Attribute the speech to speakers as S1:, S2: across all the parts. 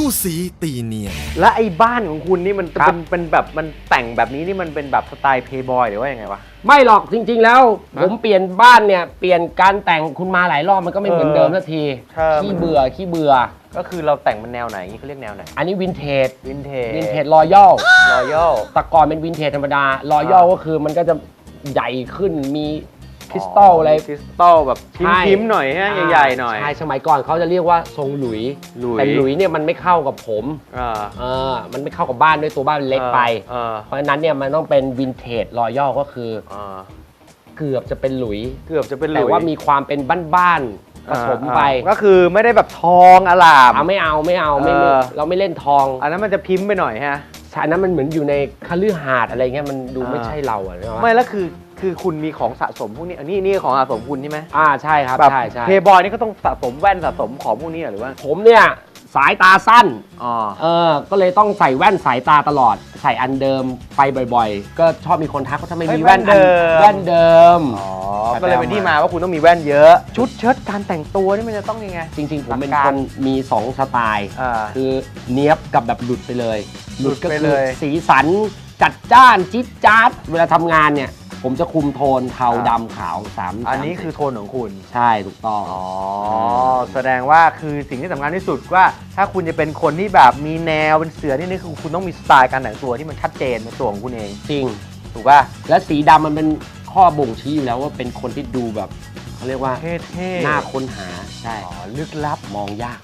S1: สีตีเนียน
S2: และไอ้บ้านของคุณนี่มันเป็นแบบมันแต่งแบบนี้นี่มันเป็นแบบสไตล์เพย์บอยหรือว่ายังไงวะ
S3: ไม่หรอกจริงๆแล้วผมเปลี่ยนบ้านเนี่ยเปลี่ยนการแต่งคุณมาหลายรอบมันก็ไม่เหมือนเดิมสักทีขี้เบื่อ
S2: ก็คือเราแต่งมันแนวไหนเขาเรียกแนวไหน
S3: อันนี้วินเทจรอยัลแต่ก่อนเป็นวินเทจธรรมดารอยัลก็คือมันก็จะใหญ่ขึ้นมีคริสตัลอะไร
S2: คริสตัลแบบพิมพ์หน่อยฮะใหญ่ๆหน่อย
S3: ใช่สมัยก่อนเขาจะเรียกว่าทรงหลุยแต่หลุยเนี่ยมันไม่เข้ากับผมมันไม่เข้ากับบ้านด้วยตัวบ้านเล็กไปเพราะฉะนั้นเนี่ยมันต้องเป็นวินเทจรอยัลก็คือเกือบจะเป็นหลุยแต่ว่ามีความเป็นบ้านผสมไป
S2: ก็คือไม่ได้แบบทองอลาม
S3: ไม่เอาเราไม่เล่นทอง
S2: อันนั้นมันจะพิมพ์ไปหน่อยฮะ
S3: ใช่นั้นมันเหมือนอยู่ในคฤหาสน์อะไรเงี้ยมันดูไม่ใช่เราอะ
S2: ไม่แล้วคือคุณมีของสะสมพวกนี้นี่ของสะสมคุณใช่ไหม
S3: ใช่ครับใช่
S2: เพย์บอยนี่ก็ต้องสะสมแว่นสะสมของพวกนี้หรือว่า
S3: ผมเนี่ยสายตาสั้นก็เลยต้องใส่แว่นสายตาตลอดใส่อันเดิมไปบ่อยๆก็ชอบมีคนทักว่าทำไมมีแว่นเดิม
S2: ก็เลยเป็นที่มาว่าคุณต้องมีแว่นเยอะชุดเชิ้ตการแต่งตัวนี่มันจะต้องยังไง
S3: จริงๆผมเป็นคนมี2สไตล์คือเนี้ยบกับแบบหลุดไปเลยหลุดก็คือสีสันจัดจ้านจิ๊ดจ๊าดเวลาทำงานเนี่ยผมจะคุมโทนเทาดำขาว3
S2: อันนี้คือโทนของคุณ
S3: ใช่ถูกต้อง
S2: แสดงว่าคือสิ่งที่สำคัญที่สุดว่าถ้าคุณจะเป็นคนที่แบบมีแนวเป็นเสือนี่คือคุณต้องมีสไตล์การแต่งตัวที่มันชัดเจนในตัวของคุณเอง
S3: จริง
S2: ถูกป่ะ
S3: และสีดำมันเป็นข้อบ่งชี้อยู่แล้วว่าเป็นคนที่ดูแบบเขาเรียกว่า
S2: เท่
S3: ๆน่าค้นหาใช่
S2: ลึกลับ
S3: มองยาก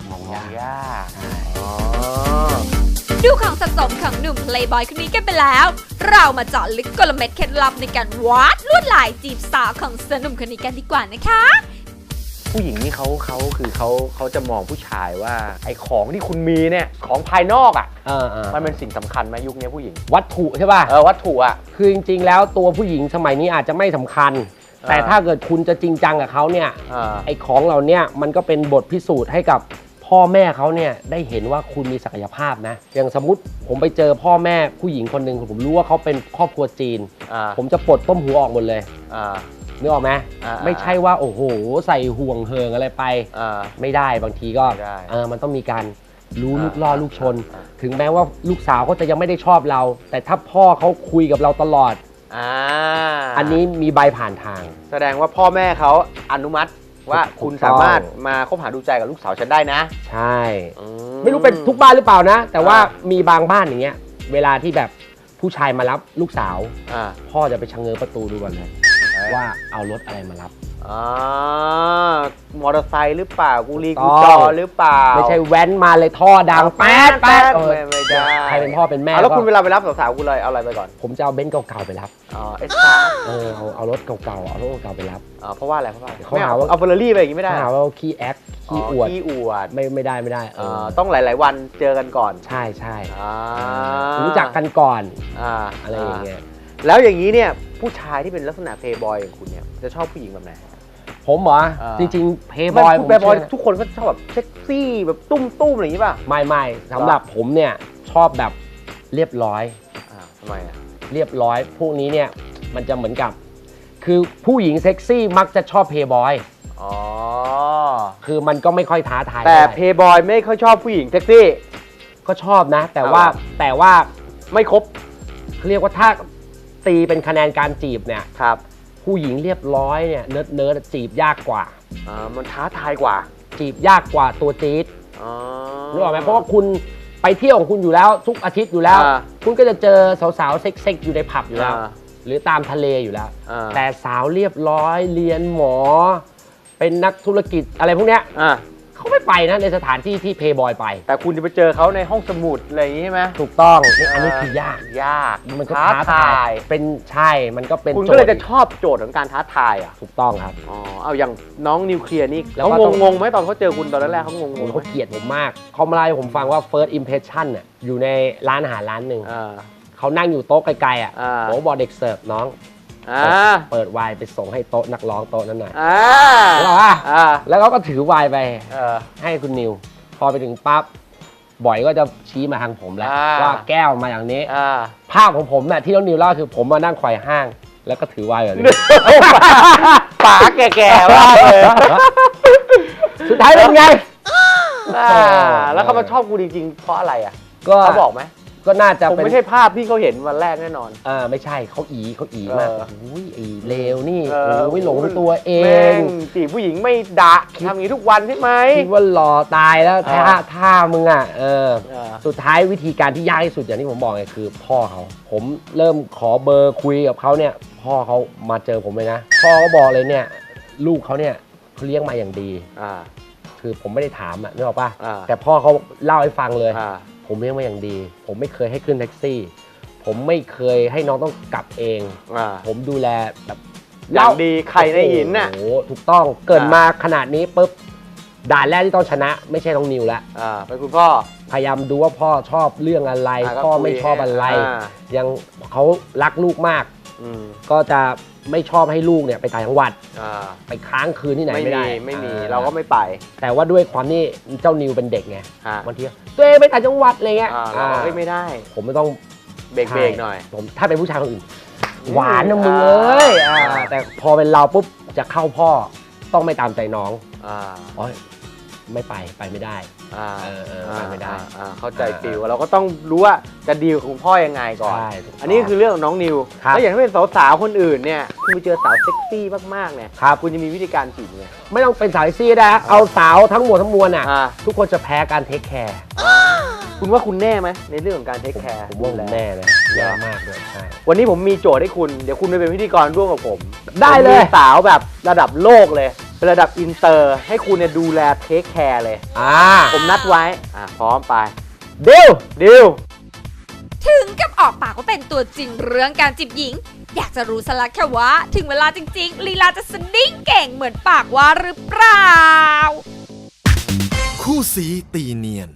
S4: ดูของสะสมของหนุ่มเพลย์บอยคนนี้กันไปแล้วเรามาเจาะลึกกลเม็ดเคล็ดลับในการวาดลวดลายจีบสาวของเสือหนุ่มคนนี้กันดีกว่านะคะ
S2: ผู้หญิงนี่เขาจะมองผู้ชายว่าไอ้ของที่คุณมีเนี่ยของภายนอกมันเป็นสิ่งสำคัญไหมยุคนี้ผู้หญิง
S3: วัตถุใช่ป่ะ
S2: วัตถุ
S3: คือจริงๆแล้วตัวผู้หญิงสมัยนี้อาจจะไม่สำคัญแต่ถ้าเกิดคุณจะจริงจังกับเขาเนี่ยไอ้ของเหล่านี้มันก็เป็นบทพิสูจน์ให้กับพ่อแม่เขาเนี่ยได้เห็นว่าคุณมีศักยภาพนะอย่างสมมติผมไปเจอพ่อแม่ผู้หญิงคนหนึ่งผมรู้ว่าเขาเป็นครอบครัวจีนผมจะปลดต้มหูออกหมดเลยนึกออกไหมไม่ใช่ว่าโอ้โหใส่ห่วงเฮิงอะไรไปไม่ได้บางทีก็มันต้องมีการรู้ลูกล่อลูกชนถึงแม้ว่าลูกสาวเขาจะยังไม่ได้ชอบเราแต่ถ้าพ่อเขาคุยกับเราตลอดอันนี้มีใบผ่านทาง
S2: แสดงว่าพ่อแม่เขาอนุมัติว่าคุณสามารถมาคบหาดูใจกับลูกสาวฉันได้นะ
S3: ใช่ไม่รู้เป็นทุกบ้านหรือเปล่านะแต่ว่ามีบางบ้านอย่างเงี้ยเวลาที่แบบผู้ชายมารับลูกสาวพ่อจะไปชะเง้อประตูดูก่อนเลยว่าเอารถอะไรมารับ
S2: มอเตอร์ไซค์หรือเปล่ากูรีกูจอหรือเปล่า
S3: ไม่ใช่แว้นมาเลยท่อดังแป๊ด
S2: ไม่ได้
S3: ใครเป็นพ่อเป็นแม่
S2: แล้วคุณเวลาไปรับสาวๆกูเลยเอาอะไรไปก่อน
S3: ผมจะเอาเบนซ์เก่าๆไปรับ
S2: เอสซ่า
S3: เอารถเก่าๆเอารถเก่าๆไปรับ
S2: เพราะว่าอะไรเขาหาว่าเอาเฟอร์รารี่ไปอย่างนี้ไม่ได้
S3: เขาหาว่าขี้แอคขี้อวดไม่ได้
S2: ต้องหลายๆวันเจอกันก่อน
S3: ใช่รู้จักกันก่อนอะไรอย่างเงี้ย
S2: แล้วอย่างนี้เนี่ยผู้ชายที่เป็นลักษณะเพย์บอยอย่างคุณเนี่ยจะชอบผู้หญิงแบบไหน
S3: ผมเหรอจริงๆเพย์บอย
S2: ทุกคนก็ชอบแบบเซ็กซี่แบบตุ้มอะไรอย่างนี้ป่ะ
S3: ไม่สำหรับผมเนี่ยชอบแบบเรียบร้อย
S2: ทำไม
S3: เรียบร้อยพวกนี้เนี่ยมันจะเหมือนกับคือผู้หญิงเซ็กซี่มักจะชอบเพย์บอยคือมันก็ไม่ค่อยท้าทาย
S2: แต่เพย์บอยไม่ค่อยชอบผู้หญิงเซ็กซี่
S3: ก็ชอบนะแต่ว่า
S2: ไม่ครบ
S3: เรียกว่าถ้าตีเป็นคะแนนการจีบเนี่ย
S2: ครับ
S3: ผู้หญิงเรียบร้อยเนี่ยเนิร์ดจีบยากกว่า
S2: มันท้าทายกว่า
S3: จีบยากกว่าตัวจี๊ดรู้ไหมเพราะว่าคุณไปเที่ยวของคุณอยู่แล้วทุกอาทิตย์อยู่แล้วคุณก็จะเจอสาวๆเซ็กๆอยู่ในผับอยู่แล้วหรือตามทะเลอยู่แล้วแต่สาวเรียบร้อยเรียนหมอเป็นนักธุรกิจอะไรพวกเนี้ยเขาไม่ไปนะในสถานที่ที่เพย์บอยไป
S2: แต่คุณจะไปเจอเขาในห้องสมุดอะไรอย่างนี้ใช่ไหม
S3: ถูกต้องอันนี้คือยากมันก็ท้าทายเป็นใช่มันก็เป็น
S2: คุณก็เลยจะชอบโจทย์ของการท้าทาย
S3: ถูกต้องครับ
S2: เอาอย่างน้องนิวเคลียร์นี่เขางงไหมตอนเขาเจอคุณตอนแรกเขางง
S3: เขาเกลียดผมมากเขามาเล่าให้ผมฟังว่า first impression น่ะอยู่ในร้านอาหารร้านหนึ่งเขานั่งอยู่โต๊ะไกลๆผมบอกเด็กเสิร์ฟน้องเปิดไวน์ไปส่งให้โต๊ะนักร้องโต๊ะนั้นหน่อยแล้วเขาก็ถือไวน์ไปให้คุณนิวพอไปถึงปั๊บบ่อยก็จะชี้มาทางผมแล้วว่าแก้วมาอย่างนี้ภาพของผมเนี่ยที่น้องนิวเล่าคือผมมานั่งไขว่ห้างแล้วก็ถือไวน์แบบนี้
S2: ป๋าแก่ๆมากเลย
S3: สุดท้ายเป็นไง
S2: แล้วเขามาชอบกูจริงๆเพราะอะไรอ่ะ
S3: ก็
S2: เขาบอกไหม
S3: ก็น่าจะ
S2: ผม
S3: เป็น
S2: ไม่ใช่ภาพที่เขาเห็นวันแรกแน่นอน
S3: ไม่ใช่เขามากอุ้ยไอ้เลวนี่
S2: เออ
S3: โอ้ยหลงตัวเอ
S2: แม่
S3: ง
S2: งจีบผู้หญิงไม่ดะทำอย่างนี้ทุกวันใช่ไหม
S3: คิดว่าหล่อตายแล้ว
S2: เออ
S3: ท่ามึงอ่ะ
S2: เออ
S3: สุดท้ายวิธีการที่ยากที่สุดอย่างที่ผมบอกไงคือพ่อเขาผมเริ่มขอเบอร์คุยกับเขาเนี่ยพ่อเขามาเจอผมเลยนะพ่อเขาบอกเลยเนี่ยลูกเขาเนี่ยเขาเลี้ยงมาอย่างดี คือผมไม่ได้ถามอ่ะนึกออกป่ะ แต่พ่อเขาเล่าให้ฟังเลยผมเลี้ยงมาอย่างดี ผมไม่เคยให้ขึ้นแท็กซี่ ผมไม่เคยให้น้องต้องกลับเอง ผมดูแลแบบ
S2: อย่างดีไข่ในหินน่ะ
S3: โอ้โหถูกต้องเกิดมาขนาดนี้ปุ๊บด่านแรกที่ต้องชนะไม่ใช่น้องนิวแล้ว
S2: เป็นคุณพ่อ
S3: พยายามดูว่าพ่อชอบเรื่องอะไร
S2: ก็
S3: พ่อ
S2: คุย
S3: ไม่ชอบอะไร ยังเขารักลูกมาก
S2: อืม
S3: ก็จะไม่ชอบให้ลูกเนี่ยไปต่างจังหวัด
S2: อ่า
S3: ไปค้างคืนที่ไหนไม่ได้
S2: ไม่มี
S3: อ่
S2: เราก็ไม่ไป
S3: แต่ว่าด้วยความที่เจ้านิวเป็นเด็กไง
S2: ฮะ
S3: บางทีตัวเองไปต่างจังหวัดอะไรเงี้ย
S2: เราก็ไม่ได้
S3: ผมไม่ต้อง
S2: เบรกหน่อย
S3: ผมถ้าเป็นผู้ชายคนอื่น หวานนะมึงเอ้ยแต่พอเป็นเราปุ๊บจะเข้าพ่อต้องไม่ตามใจน้องอ๋อไม่ไปไม่ได้ ไปไม่ได้
S2: เข้าใจฟิลเราก็ต้องรู้ว่าจะดีลกับคุณพ่อยังไงก่อน
S3: ใช่ถูกต้อง
S2: อันนี้คือเรื่องของน้องนิว
S3: ครับ
S2: แล้วอย่างที่เป็นสาวๆคนอื่นเนี่ยคุณไปเจอสาวเซ็กซี่มากๆเนี่ย
S3: ครับ
S2: คุณจะมีวิธีการจีบไง
S3: ไม่ต้องเป็นสายซี่ได้เอาสาวทั้งหมดทั้งมวลอ่ะ
S2: อ่า
S3: ทุกคนจะแพ้การเทคแคร์
S2: คุณว่าคุณแน่ไหมในเรื่องของการเทคแคร์
S3: ผมว่าผมแน่เลยแย่มากเลยใช่
S2: วันนี้ผมมีโจทย์ให้คุณเดี๋ยวคุณไปเป็นพิธีกรร่วมกับผม
S3: ได้เลย
S2: ผมมีสาวแบบระดับโลกเลยเป็นระดับอินเตอร์ ให้คุณเนี่ยดูแลเทคแคร์เลย ผมนัดไว้พร้อมไป
S3: ดิว
S2: ดิว
S4: ถึงกับออกปากว่าเป็นตัวจริงเรื่องการจีบหญิง อยากจะรู้สลักแค่ว่าถึงเวลาจริงๆลีลาจะสดิ้งเก่งเหมือนปากว่าหรือเปล่า
S1: คู่สีตีเนียน